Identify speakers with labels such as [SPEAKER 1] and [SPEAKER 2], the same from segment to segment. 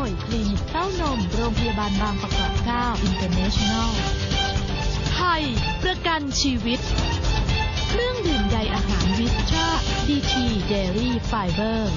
[SPEAKER 1] ยคลินิกเต้านมโรงพยาบาลบางประกอบ9 International ไทยประกันชีวิตเครื่องดื่มใยอาหารวิสตราดีทีเดลี่ไฟเบอร์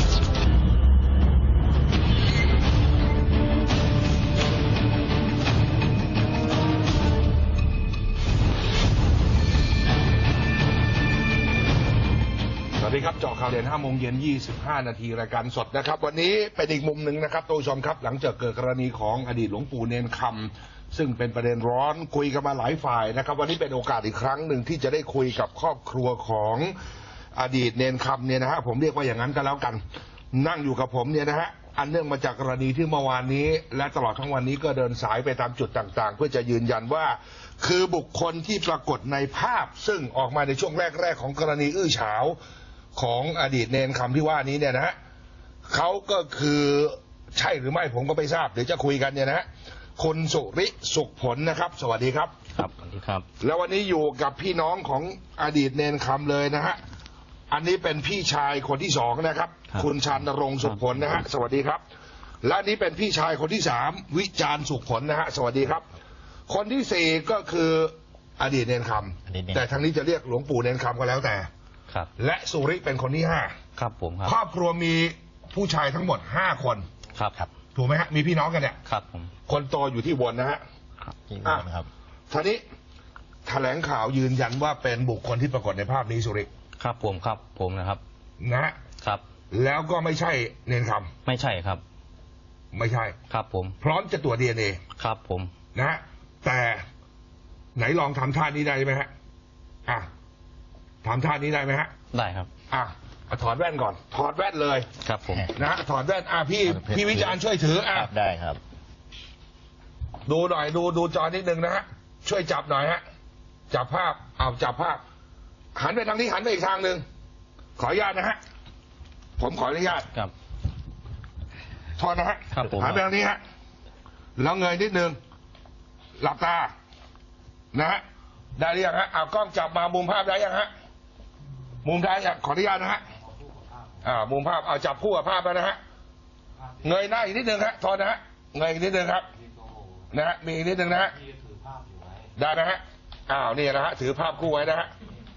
[SPEAKER 2] สวัสดีครับเจาะข่าวเด่น5 โมงเย็น 25 นาทีรายการสดนะครับวันนี้เป็นอีกมุมหนึ่งนะครับท่านผู้ชมครับหลังจากเกิดกรณีของอดีตหลวงปู่เนนคำซึ่งเป็นประเด็นร้อนคุยกันมาหลายฝ่ายนะครับวันนี้เป็นโอกาสอีกครั้งหนึ่งที่จะได้คุยกับครอบครัวของอดีตเนนคำเนี่ยนะฮะผมเรียกว่าอย่างนั้นก็แล้วกันนั่งอยู่กับผมเนี่ยนะฮะอันเนื่องมาจากกรณีที่เมื่อวานนี้และตลอดทั้งวันนี้ก็เดินสายไปตามจุดต่างๆเพื่อจะยืนยันว่าคือบุคคลที่ปรากฏในภาพซึ่งออกมาในช่วงแรกๆของกรณีอื้อฉาวของอดีตเนนคำที่ว่านี้เนี่ยนะฮะเขาก็คือใช่หรือไม่ผมก็ไม่ทราบเดี๋ยวจะคุยกันเนี่ยนะฮะคุณสุริสุขผลนะครับสวัสดีครับ
[SPEAKER 3] ครับสวัสดีครับ
[SPEAKER 2] แล้ววันนี้อยู่กับพี่น้องของอดีตเนนคำเลยนะฮะอันนี้เป็นพี่ชายคนที่2นะครับคุณชานรงค์สุขผลนะฮะสวัสดีครับและนี้เป็นพี่ชายคนที่3วิจารณ์สุขผลนะฮะสวัสดีครับคนที่4ก็คืออดีตเนนคำแต่ทางนี้จะเรียกหลวงปู่เนนคำก็แล้วแต่และสุริเป็นคนที่5
[SPEAKER 3] ครับผมครับ
[SPEAKER 2] ครอบครัวมีผู้ชายทั้งหมด5คน
[SPEAKER 3] ครับ
[SPEAKER 2] ถูกไหมฮะมีพี่น้องกันเนี่ย
[SPEAKER 3] ครับผม
[SPEAKER 2] คนโตอยู่ที่บนนะฮะ
[SPEAKER 3] ครับ
[SPEAKER 2] ทีนี้แถลงข่าวยืนยันว่าเป็นบุคคลที่ปรากฏในภาพนี้สุริ
[SPEAKER 3] ครับผมนะครับ
[SPEAKER 2] นะครับแล้วก็ไม่ใช่เนนคำ
[SPEAKER 3] ไม่ใช่ครับ
[SPEAKER 2] ไม่ใช่
[SPEAKER 3] ครับผม
[SPEAKER 2] พร้อมจะตรวจ DNA
[SPEAKER 3] ครับผม
[SPEAKER 2] นะฮะแต่ไหนลองทำท่านี้ได้ไหมฮะทำท่านี้ได้ไหมฮะ
[SPEAKER 3] ได้ครับ
[SPEAKER 2] ถอดแว่นก่อนถอดแว่นเลย
[SPEAKER 3] ครับผม
[SPEAKER 2] นะฮะถอดแว่นพี่วิจารณ์ช่วยถือ
[SPEAKER 3] ได้ครับ
[SPEAKER 2] ดูหน่อยดูจอนิดนึงนะฮะช่วยจับหน่อยฮะจับภาพจับภาพหันไปทางนี้หันไปอีกทางหนึ่งขออนุญาตนะฮะผมขออนุญาต
[SPEAKER 3] ครับ
[SPEAKER 2] ถอดนะฮะหันไปทางนี้ฮะแล้วเงยนิดนึงหลับตานะฮะได้หรือยังฮะกล้องจับมามุมภาพได้ยังฮะมุมได้ยังขออนุญาตนะฮะมุมภาพจับคู่กับภาพแล้วนะฮะเงยหน้าอีกนิดนึงฮะทอนนะฮะเงยอีกนิดนึงครับนะฮะมีอีกนิดนึงนะฮะได้นะฮะนี่นะฮะถือภาพคู่ไว้นะฮะ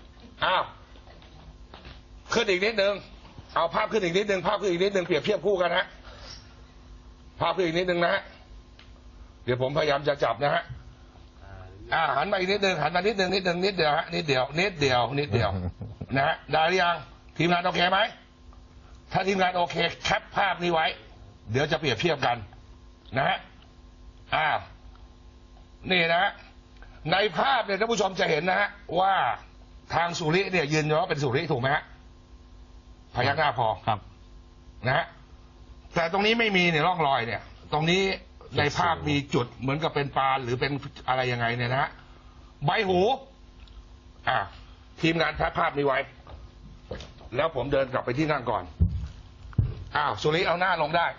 [SPEAKER 2] ขึ้นอีกนิดนึงเอาภาพขึ้นอีกนิดนึงภาพขึ้นอีกนิดนึงเปรียบเทียบคู่กันฮะภาพขึ้นอีกนิดนึงนะฮะเดี๋ยวผมพยายามจะจับนะฮะหันมาอีกนิดนึงหันมานิดเดียวฮะนิดเดียวนะฮะได้หรือยังทีมงานโอเคไหมถ้าทีมงานโอเคแคปภาพนี้ไว้เดี๋ยวจะเปรียบเทียบกันนะฮะนี่นะฮะในภาพเนี่ยท่านผู้ชมจะเห็นนะฮะว่าทางสุริเนี่ยยืนยันว่าเป็นสุริถูกไหมฮะพยักหน้าพอ
[SPEAKER 3] ครับ
[SPEAKER 2] นะฮะแต่ตรงนี้ไม่มีเนี่ยร่องรอยเนี่ยตรงนี้ในภาพมีจุดเหมือนกับเป็นปานหรือเป็นอะไรยังไงเนี่ยนะฮะใบหูทีมงานแพะภาพนี้ไว้แล้วผมเดินกลับไปที่นั่งก่อนสุริเอาหน้าลงได้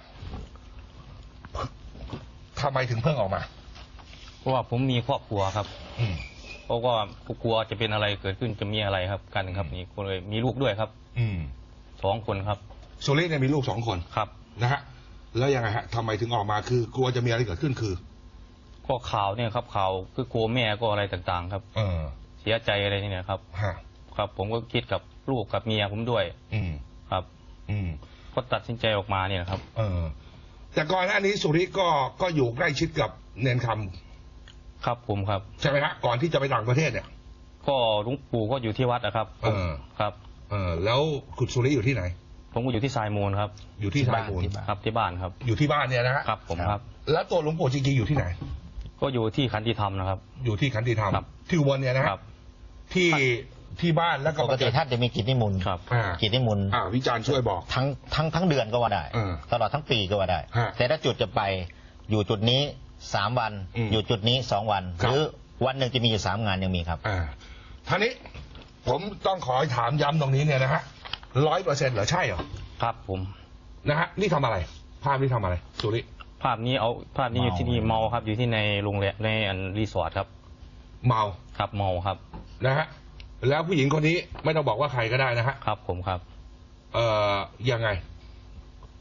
[SPEAKER 2] ทำไมถึงเพิ่งออกมา
[SPEAKER 3] เพราะว่าผมมีครอบครัวครับเพราะว่ากลัวจะเป็นอะไรเกิดขึ้นจะมีอะไรครับกันครับนี่คนเลยมีลูกด้วยครับ2 คนครับ
[SPEAKER 2] สุริเนี่ยมีลูก2 คน
[SPEAKER 3] ครับ
[SPEAKER 2] นะฮะแล้วยังไงฮะทำไมถึงออกมาคือกลัวจะมีอะไรเกิดขึ้นคือ
[SPEAKER 3] ก็ข่าวเนี่ยครับข่าวคือกลัวแม่ก็อะไรต่างๆครับเสียใจอะไรนี่นะครับครับผมก็คิดกับลูกกับเมียผมด้วยครับก็ตัดสินใจออกมาเนี่ยครับ
[SPEAKER 2] แต่ก่อนหน้านี้สุริก็อยู่ใกล้ชิดกับเนนคำ
[SPEAKER 3] ครับผมครับ
[SPEAKER 2] ใช่ไหมฮะก่อนที่จะไปต่างประเทศเนี่ย
[SPEAKER 3] ก็หลวงปู่ก็อยู่ที่วัดนะครับครับ
[SPEAKER 2] แล้วคุณสุริอยู่ที่ไหน
[SPEAKER 3] ผมก็อยู่ที่ทรายมูลครับ
[SPEAKER 2] อยู่ที่ทรายมูล
[SPEAKER 3] ครับที่บ้านครับ
[SPEAKER 2] อยู่ที่บ้านเนี่ยนะฮะ
[SPEAKER 3] ครับผมครับ
[SPEAKER 2] แล้วตัวหลวงปู่จริงๆอยู่ที่ไหน
[SPEAKER 3] ก็อยู่ที่ขันติธรรมนะครับ
[SPEAKER 2] อยู่ที่ขันติธรรมที่อุบลเนี่ยนะครับที่บ้านแล้วก็
[SPEAKER 4] ปกติท่านจะมีกิจนิมนต์กิจนิมนต์
[SPEAKER 2] วิจารณ์ช่วยบอก
[SPEAKER 4] ทั้งเดือนก็ว่าได้ตลอดทั้งปีก็ว่าได้แต่ถ้าจุดจะไปอยู่จุดนี้3 วันอยู่จุดนี้2 วันหรือวันหนึ่งจะมีอยู่3 งานยังมีครับ
[SPEAKER 2] ท่านี้ผมต้องขอถามย้ำตรงนี้เนี่ยนะฮะ100%เหรอใช่เหรอ
[SPEAKER 3] ครับผม
[SPEAKER 2] นะฮะนี่ทำอะไรภาพนี้ทำอะไรสุริ
[SPEAKER 3] ภาพนี้อยู่ที่นี่เมาครับอยู่ที่ในโรงแรมในรีสอร์ทครับ
[SPEAKER 2] เมา
[SPEAKER 3] ครับเมาครับ
[SPEAKER 2] นะฮะแล้วผู้หญิงคนนี้ไม่ต้องบอกว่าใครก็ได้นะฮะ
[SPEAKER 3] ครับผมครับ
[SPEAKER 2] ยังไง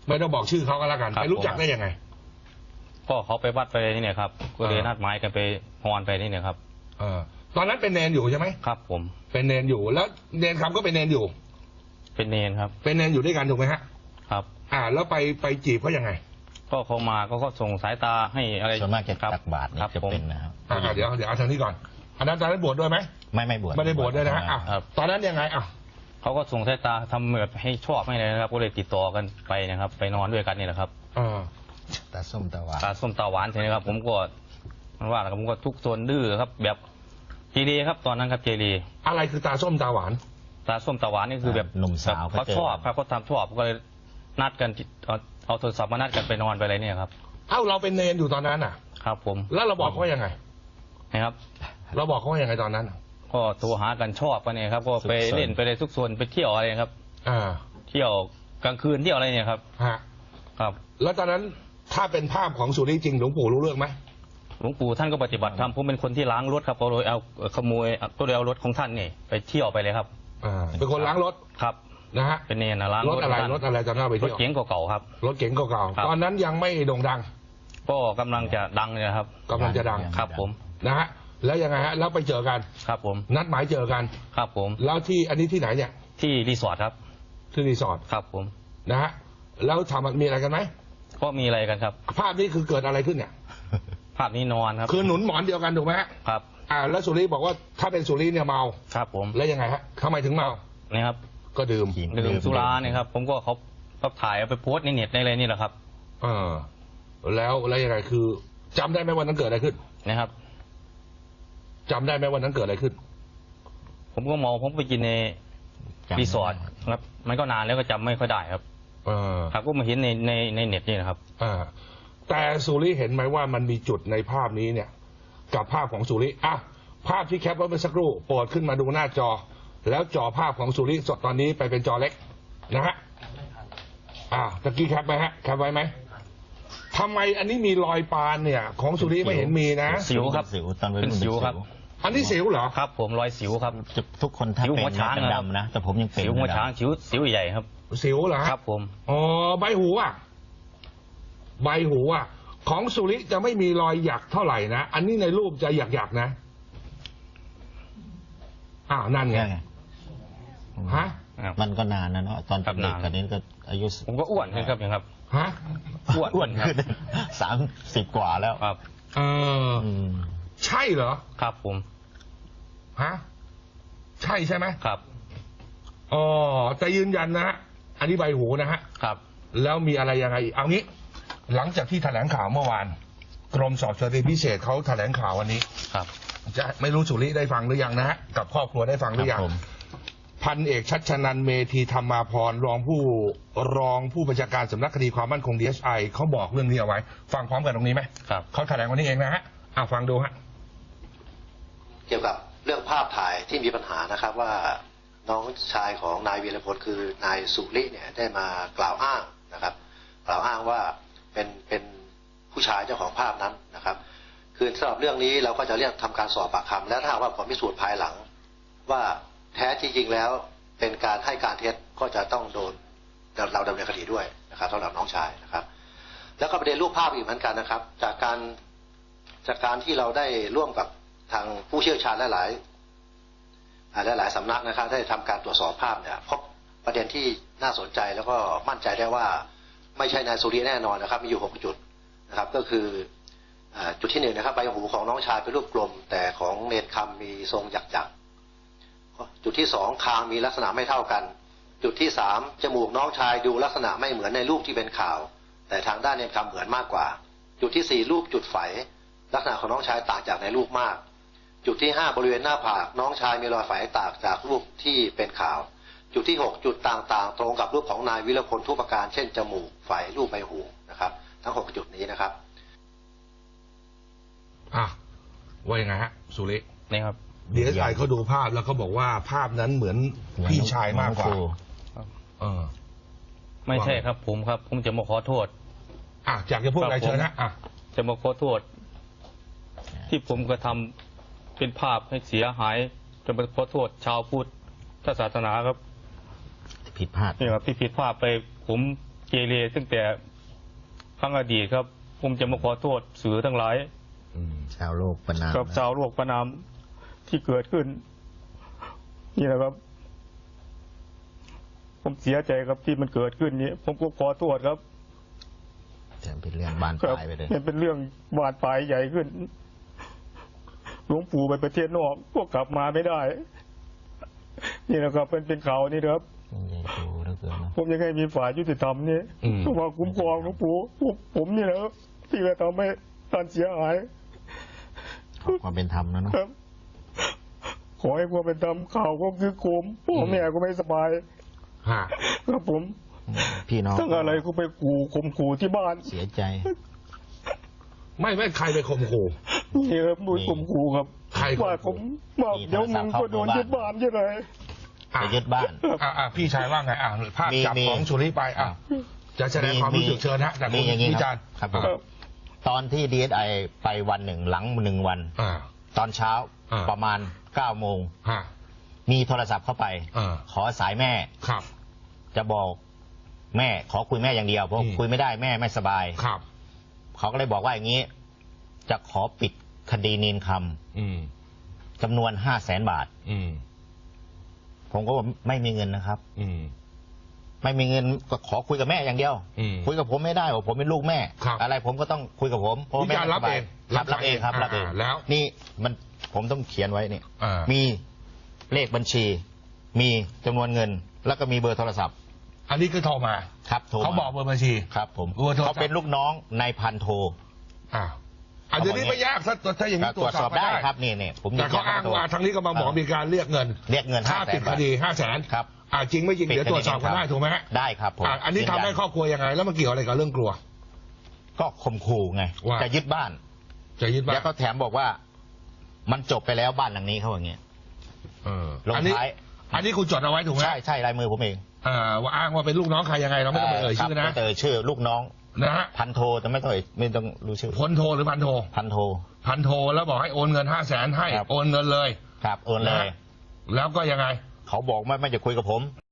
[SPEAKER 2] ไม่ต้องบอกชื่อเขาก็แล้วกัน
[SPEAKER 3] ครับ
[SPEAKER 2] ไปรู้จักได้ยังไง
[SPEAKER 3] ก็เขาไปวัดไปนี่เนี่ยครับก็เลยนัดหมายกันไปฮอนไปนี่เนี่ยครับ
[SPEAKER 2] ตอนนั้นเป็นเนนอยู่ใช่ไหม
[SPEAKER 3] ครับผม
[SPEAKER 2] เป็นเนนอยู่แล้วเนนคำก็เป็นเนนอยู่
[SPEAKER 3] เป็นเนนครับ
[SPEAKER 2] เป็นเนนอยู่ด้วยกันถูกไหมฮะ
[SPEAKER 3] ครับ
[SPEAKER 2] แล้วไปจีบเขายังไง
[SPEAKER 3] ก็เขามาก็ส่งสายตาให้อะไร
[SPEAKER 4] ส่วนมากจะ
[SPEAKER 3] ครับ
[SPEAKER 4] ตักบาตรนี่
[SPEAKER 3] ครับ
[SPEAKER 4] จะ
[SPEAKER 3] ผม
[SPEAKER 4] เป็นนะครับ
[SPEAKER 2] เดี๋ยวเอาทางนี้ก่อนอันนั้นตอนนั้นบวชด้วยไหม
[SPEAKER 4] ไม่บวช
[SPEAKER 2] ไม่ได้บวชด้วยนะฮะ
[SPEAKER 3] ครับ
[SPEAKER 2] ตอนนั้นยังไง
[SPEAKER 3] เขาก็ส่งสายตาทำเหมือนให้ชอบให้เลยนะครับ ก็เลยติดต่อกันไปนะครับ ไปนอนด้วยกันนี่แหละครับ
[SPEAKER 4] ตาส้มตาหวาน
[SPEAKER 3] ตาส้มตาหวานใช่ไหมครับ ผมก็มันว่าแล้วผมก็ทุกโซนดื้อครับ แบบเจรีครับตอนนั้นครับเจรี
[SPEAKER 2] อะไรคือตาส้มตาหวาน
[SPEAKER 3] ตาส้มตาหวานนี่คือแบบ
[SPEAKER 4] หนุ่มสาว
[SPEAKER 3] เขาชอบครับเขาทำชอบก็เลยนัดกันเอาโทรศัพท์มานัดกันไปนอนไปอะไรเนี่ยครับ
[SPEAKER 2] เราเป็นเนนอยู่ตอนนั้น
[SPEAKER 3] ครับผม
[SPEAKER 2] แล้วเราบอกเขาว่ายังไง
[SPEAKER 3] นะครับ
[SPEAKER 2] เราบอกเขาว่ายังไงตอนนั้น
[SPEAKER 3] ก็โทรหากันชอบกันเนี่ยครับ ก็ไปเล่นไปเลยทุกโซนไปเที่ยวอะไรครับ เที่ยวกลางคืนเที่ยวอะไรเนี่ยครับครับ
[SPEAKER 2] แล้วตอนนั้นถ้าเป็นภาพของสุริจริงหลวงปู่รู้เรื่องไหม
[SPEAKER 3] หลวงปู่ท่านก็ปฏิบัติธรรมผมเป็นคนที่ล้างรถครับก็เลยเอาขโมยก็เลยเอารถของท่านนี่ไปเที่ยวไปเลยครับ
[SPEAKER 2] เป็นคนล้างรถ
[SPEAKER 3] ครับ
[SPEAKER 2] นะฮะ
[SPEAKER 3] เป็นเนรนะล้าง
[SPEAKER 2] รถอะไร
[SPEAKER 3] ขงท่าน
[SPEAKER 2] รถอะไรตอนนั้นไป
[SPEAKER 3] รถ
[SPEAKER 2] เที่ยว
[SPEAKER 3] เก๋งเก่าๆครับ
[SPEAKER 2] รถเก๋งเก่า
[SPEAKER 3] ครับ
[SPEAKER 2] ๆตอนนั้นยังไม่โด่งดัง
[SPEAKER 3] ก็กำลังจะดังเลยนะครับ
[SPEAKER 2] กำลังจะดัง
[SPEAKER 3] ครับผม
[SPEAKER 2] นะฮะแล้วยังไงฮะแล้วไปเจอกัน
[SPEAKER 3] ครับผม
[SPEAKER 2] นัดหมายเจอกัน
[SPEAKER 3] ครับผม
[SPEAKER 2] แล้วที่อันนี้ที่ไหนเนี่ย
[SPEAKER 3] ที่รีสอร์ทครับ
[SPEAKER 2] ที่รีสอร์ท
[SPEAKER 3] ครับผม
[SPEAKER 2] นะฮะแล้วทำมีอะไรกันไหม
[SPEAKER 3] ก็มีอะไรกันครับ
[SPEAKER 2] ภาพนี้คือเกิดอะไรขึ้นเนี่ย
[SPEAKER 3] ภาพนี้นอนครับ
[SPEAKER 2] คือหนุนหมอนเดียวกันถูกไหมฮะ
[SPEAKER 3] ครับ
[SPEAKER 2] แล้วสุริบอกว่าถ้าเป็นสุริเนี่ยเมา
[SPEAKER 3] ครับผม
[SPEAKER 2] แล้วยังไงฮะทำไมถึงเมา
[SPEAKER 3] นี่ครับ
[SPEAKER 2] ก็ดื่ม
[SPEAKER 3] ดื่มสุราเนี่ยครับ ผมก็เขาถ่ายเอาไปโพสต์ในเน็ตในอะไรนี่แหละครับ
[SPEAKER 2] แล้วยังไงคือจำได้ไหมวันนั้นเกิดอะไรขึ้น
[SPEAKER 3] นะครับ
[SPEAKER 2] จำได้ไหมวันนั้นเกิดอะไรขึ้น
[SPEAKER 3] ผมก็เมาผมไปกินในรีสอร์ทครับมันก็นานแล้วก็จำไม่ค่อยได้ครับครับก็มาเห็นในเน็ตนี่นะครับ
[SPEAKER 2] แต่สุริเห็นไหมว่ามันมีจุดในภาพนี้เนี่ย กับภาพของสุริภาพที่แคปไว้เมื่อสักครู่โปรดขึ้นมาดูหน้าจอ แล้วจอภาพของสุริสดตอนนี้ไปเป็นจอเล็กนะฮะตะกี้แคปไหมฮะแคปไว้ไหมทำไมอันนี้มีรอยปานเนี่ย ของสุริไม่เห็นมีนะ
[SPEAKER 3] สิวครับ
[SPEAKER 4] สิวตอนวัยรุ่น
[SPEAKER 3] เป็นสิวครับ
[SPEAKER 2] อันนี้สิวเหรอ
[SPEAKER 3] ครับ ผมรอยสิวครับ
[SPEAKER 4] ทุกคนถ้า
[SPEAKER 3] สิว
[SPEAKER 4] เป็น
[SPEAKER 3] หัวช้าง
[SPEAKER 4] จะ
[SPEAKER 3] นะครับ
[SPEAKER 4] ดำนะแต่ผมยังเป็น
[SPEAKER 3] สิวหัวช้างสิวใหญ่ครับ
[SPEAKER 2] สิวเหรอฮะ
[SPEAKER 3] ครับผม
[SPEAKER 2] ใบหูใบหูของสุริจะไม่มีรอยหยักเท่าไหร่นะอันนี้ในรูปจะหยักนะนั่นไงฮะ
[SPEAKER 4] มันก็นานนะเนาะตอนเป็นเด็กกันนี้ก็อายุ
[SPEAKER 3] ผมก็อ้วนขึ้นครับอย่างครับ
[SPEAKER 2] ฮะ
[SPEAKER 4] อ้วนขึ้น30 กว่าแล้ว
[SPEAKER 3] ครับ
[SPEAKER 2] ใช่เหรอ
[SPEAKER 3] ครับผม
[SPEAKER 2] ฮะใช่ไหม
[SPEAKER 3] ครับ
[SPEAKER 2] แต่ยืนยันนะฮะอันนี้ใบหูนะฮะ
[SPEAKER 3] ครับ
[SPEAKER 2] แล้วมีอะไรยังไงอีกเอางี้ หลังจากที่แถลงข่าวเมื่อวานกรมสอบสวนคดีพิเศษเขาแถลงข่าววันนี้
[SPEAKER 3] ครับ
[SPEAKER 2] จะไม่รู้สุริได้ฟังหรือยังนะฮะกับครอบครัวได้ฟังหรือยัง พันเอกชัชนันท์เมธีธรรมาภรณ์รองผู้บัญชาการสำนักคดีความมั่นคง DSI เขาบอกเรื่องนี้เอาไว้ ฟังพร้อมกันตรงนี้ไหม
[SPEAKER 3] ครับ
[SPEAKER 2] เขาแถลงวันนี้เองนะฮะฟังดูฮะ
[SPEAKER 5] เกี่ยวกับเรื่องภาพถ่ายที่มีปัญหานะครับว่าน้องชายของนายวีรพลคือนายสุริเนี่ยได้มากล่าวอ้างนะครับ กล่าวอ้างว่าเป็นผู้ชายเจ้าของภาพนั้นนะครับ คือสำหรับเรื่องนี้เราก็จะเรียกทำการสอบปากคำและถ้าหากว่าผลพิสูจน์ภายหลัง ว่าแท้จริงๆแล้วเป็นการให้การเท็จก็จะต้องโดนเราดำเนินคดีด้วยนะครับสำหรับน้องชายนะครับ แล้วก็ประเด็นรูปภาพอีกเหมือนกันนะครับ จากการที่เราได้ร่วมกับทางผู้เชี่ยวชาญหลายสำนักนะครับได้ทำการตรวจสอบภาพเนี่ยพบประเด็นที่น่าสนใจแล้วก็มั่นใจได้ว่าไม่ใช่นายสุริแน่นอนนะครับมีอยู่6จุดนะครับก็คือจุดที่1นะครับใบหูของน้องชายเป็นรูปกลมแต่ของเนรคำมีทรงหยักๆจุดที่2คางมีลักษณะไม่เท่ากันจุดที่3จมูกน้องชายดูลักษณะไม่เหมือนในรูปที่เป็นข่าวแต่ทางด้านเนรคำเหมือนมากกว่าจุดที่4รูปจุดไฝลักษณะของน้องชายต่างจากในรูปมากจุดที่5บริเวณหน้าผากน้องชายมีรอยไฝต่างจากรูปที่เป็นข่าวจุดที่6จุดต่างๆตรงกับรูปของนายวิรพลทุกประการเช่นจมูกไฝรูปใบหูนะครับทั้ง6จุดนี้นะครับ
[SPEAKER 2] ว่ายังไงฮะสุริ
[SPEAKER 3] นี่ครับ
[SPEAKER 2] DSI เขาดูภาพแล้วเขาบอกว่าภาพนั้นเหมือนพี่ชายมากกว่า
[SPEAKER 3] ไม่ใช่ครับผมครับผมจะมาขอโทษ
[SPEAKER 2] อยากจะพูดอะไรเชิญนะ
[SPEAKER 3] จะมาขอโทษที่ผมกระทำเป็นภาพให้เสียหายจะมาขอโทษชาวพุทธศาสนาครับ
[SPEAKER 4] ผิดพลาด
[SPEAKER 3] นี่ครับที่ผิดพลาดไปผมเกเรตั้งแต่ครั้งอดีตครับ ผมจะมาขอโทษสื่อทั้งหลาย
[SPEAKER 4] ชาวโลกประนาม
[SPEAKER 3] กับชาวโลกประนามที่เกิดขึ้น นี่แหละครับ ผมเสียใจครับที่มันเกิดขึ้นนี้ ผมก็ขอโทษครับ
[SPEAKER 4] แต่เป็นเรื่องบานปลายไปเลย
[SPEAKER 3] มันเป็นเรื่องบานปลายใหญ่ขึ้น หลวงปู่ไปประเทศนอกพวกกลับมาไม่ได้ นี่นะครับเป็นข่าวนี่นะครับ
[SPEAKER 4] ใหญ่โตเหลือเกินนะ
[SPEAKER 3] ผมยังไงมีฝ่ายยุติธรรมนี่ต้องมาคุ้มครองหลวงปู่ผมนี่แหละครับที่จะทำให้ท่านเสียหาย
[SPEAKER 4] ขอความเป็นธรรมนะเนาะ
[SPEAKER 3] ครับ ขอให้ความเป็นธรรมข่าวก็คือโคมพ่อแม่ก็ไม่สบาย
[SPEAKER 2] ฮะ
[SPEAKER 3] ครับผม
[SPEAKER 4] พี่น้อง
[SPEAKER 3] ตั้งอะไรก็ไปขู่ข่มขู่ที่บ้าน
[SPEAKER 4] เสียใจ
[SPEAKER 2] ไม่ใครไปข่มขู่
[SPEAKER 3] นี่ครับมุ้ยข่มขู่ครับ
[SPEAKER 2] ใครข่มขู่
[SPEAKER 3] ว่าผมว่าเดี๋ยวมึงก็โดนยึดบ้านใช่ไหม
[SPEAKER 4] ไปยึดบ้าน
[SPEAKER 2] พี่ชายว่าไงภาพจับ
[SPEAKER 4] มี
[SPEAKER 2] ของสุริไปจะแสดงความรู้สึกเชิญฮะแต่
[SPEAKER 4] มี
[SPEAKER 2] คุณ
[SPEAKER 4] อย่างนี้
[SPEAKER 2] วิ
[SPEAKER 4] ค
[SPEAKER 2] จา
[SPEAKER 4] รั
[SPEAKER 2] ร
[SPEAKER 4] บ
[SPEAKER 2] ณ์
[SPEAKER 4] ครับผมตอนที่ DSI ไปวันหนึ่งหลัง1 วัน ตอนเช้าประมาณ9 โมง มีโทรศัพท์เข้าไป ขอสายแม่
[SPEAKER 2] ครับ
[SPEAKER 4] จะบอกแม่ขอคุยแม่อย่างเดียวเพราะคุยไม่ได้แม่ไม่สบาย
[SPEAKER 2] ครับ
[SPEAKER 4] เขาก็เลยบอกว่าอย่างนี้ จะขอปิดคดีเนนคำจำนวน500,000 บาท ผมก็บอกไม่มีเงินนะครับ ไม่มีเงินก็ขอคุยกับแม่อย่างเดียว คุยกับผมไม่ได้ว่าผมเป็นลูกแม่ อะไรผมก็ต้องคุยกับผมเพราะแม่ไม่สบายรับเองครับรับเอง
[SPEAKER 2] แล้ว
[SPEAKER 4] นี่มันผมต้องเขียนไว้นี่มีเลขบัญชี มีจำนวนเงิน แล้วก็มีเบอร์โทรศัพท์
[SPEAKER 2] อันนี้คือโทรมา
[SPEAKER 4] ครับโทร
[SPEAKER 2] เขาบอกเบอร์บัญชี
[SPEAKER 4] ครับผม
[SPEAKER 2] เบอร์โทรศัพท์
[SPEAKER 4] เขาเป็นลูกน้องนายพันโท
[SPEAKER 2] อันนี้ไม่ยากถ้าอย่างนี้ตรวจสอบ
[SPEAKER 4] ได้
[SPEAKER 2] ได้
[SPEAKER 4] ครับนี่ผม
[SPEAKER 2] แต่เขาอ้างว่าทางนี้ก็มาบอกมีการเรียกเงิน ค่า
[SPEAKER 4] 500,000
[SPEAKER 2] ปิดคดี500,000
[SPEAKER 4] ครับ
[SPEAKER 2] จริงไม่จริงเดี๋ยวตรวจสอบกันได้ถูกไหมฮะ
[SPEAKER 4] ได้ครับผม
[SPEAKER 2] อันนี้ทำให้ครอบครัวยังไง แล้วมันเกี่ยวอะไรกับเรื่องกลัว
[SPEAKER 4] ก็ข่มขู่ไง
[SPEAKER 2] ว่า
[SPEAKER 4] จะยึดบ้าน
[SPEAKER 2] จะยึดบ้าน
[SPEAKER 4] แล้วก็แถมบอกว่า มันจบไปแล้วบ้านหลังนี้เขาอย่างเงี้ยลง
[SPEAKER 2] อันนี้
[SPEAKER 4] ท้าย
[SPEAKER 2] อันนี้คุณจดเอาไว้ถูกไหม
[SPEAKER 4] ใช่ลายมือผมเอง
[SPEAKER 2] ว่าอ้างว่าเป็นลูกน้องใครยังไงเราไม่ต้องไปเอ่ยชื่อ
[SPEAKER 4] ค
[SPEAKER 2] นะ
[SPEAKER 4] รับไม่ต้องเอ่ยชื่อลูกน้อง
[SPEAKER 2] นะฮะ
[SPEAKER 4] พันโทแต่ไม่ต้องรู้ชื่อ
[SPEAKER 2] พลโทหรือพันโท
[SPEAKER 4] พันโท
[SPEAKER 2] พันโทแล้วบอกให้โอนเงิน500,000ให้
[SPEAKER 4] ครับ
[SPEAKER 2] โอนเงินเลย
[SPEAKER 4] ครับโอนเลย
[SPEAKER 2] แล้วก็ยังไง
[SPEAKER 4] เขาบอกไม่จะคุยกับผม